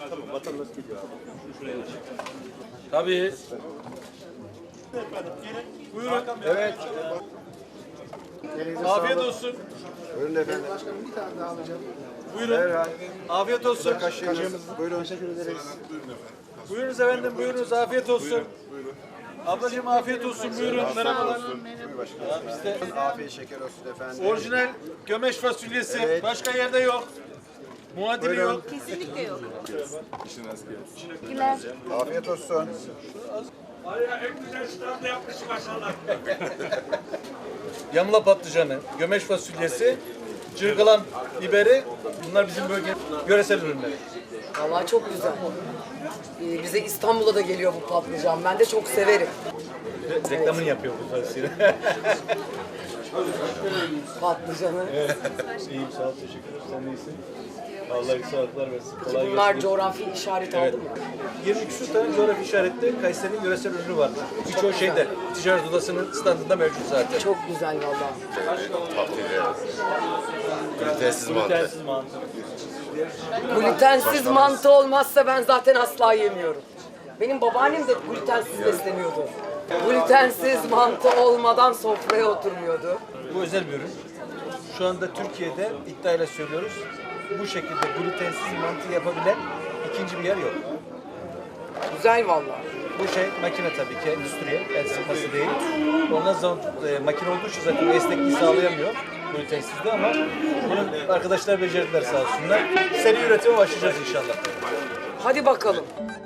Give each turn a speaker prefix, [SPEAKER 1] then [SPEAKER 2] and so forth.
[SPEAKER 1] Tabii. Buyurun. Evet. Afiyet olsun.
[SPEAKER 2] Buyurun efendim.
[SPEAKER 1] Buyurun.
[SPEAKER 2] Evet.
[SPEAKER 1] Afiyet olsun.
[SPEAKER 2] Buyurun. Teşekkür ederiz.
[SPEAKER 1] Buyurunuz efendim, buyurunuz. Afiyet olsun. Ablacığım afiyet olsun. Buyurun. Merhabalar. Ya bizde
[SPEAKER 2] Afiyet şeker olsun efendim.
[SPEAKER 1] orijinal gömeç fasulyesi.
[SPEAKER 2] Evet.
[SPEAKER 1] Başka yerde yok. Muadili
[SPEAKER 2] Buyurun.
[SPEAKER 1] yok.
[SPEAKER 3] Kesinlikle yok.
[SPEAKER 2] Afiyet olsun.
[SPEAKER 1] Yamla patlıcanı, gömeç fasulyesi, cırgalan biberi. Bunlar bizim bölge yöresel ürünleri.
[SPEAKER 4] Vallahi çok güzel. Bize İstanbul'a da geliyor bu patlıcan. Ben de çok severim.
[SPEAKER 1] Reklamını yapıyor bu fasulye.
[SPEAKER 4] Patlıcanı.
[SPEAKER 1] İyiyim, sağ ol, teşekkür ederim. Sen iyisin. Allah iyi sağlıklar versin. Kolay
[SPEAKER 4] Bunlar
[SPEAKER 1] gelsin.
[SPEAKER 4] coğrafi işaret
[SPEAKER 1] Evet.
[SPEAKER 4] aldı mı?
[SPEAKER 1] 20 küsur tane coğrafi işaretli Kayseri'nin yöresel ürünü var. Birçoğu şeyde, ticaret odasının standında mevcut zaten.
[SPEAKER 4] Çok güzel vallahi.
[SPEAKER 2] Glutensiz mantı.
[SPEAKER 1] Glutensiz mantı.
[SPEAKER 4] Glutensiz mantı olmazsa ben zaten asla yemiyorum. Benim babaannem de glutensiz besleniyordu. Glutensiz mantı olmadan sofraya oturmuyordu.
[SPEAKER 1] Bu özel bir ürün. Şu anda Türkiye'de iddiayla söylüyoruz. Bu şekilde glutensiz mantı yapabilen ikinci bir yer yok.
[SPEAKER 4] Güzel vallahi.
[SPEAKER 1] Bu şey makine tabii ki, endüstriyel, el sıkması değil. Ondan sonra makine olduğu için zaten esnekliği sağlayamıyor glutensizde ama bunu arkadaşlar becerdiler sağ olsunlar. Seri üretime başlayacağız inşallah.
[SPEAKER 4] Hadi bakalım.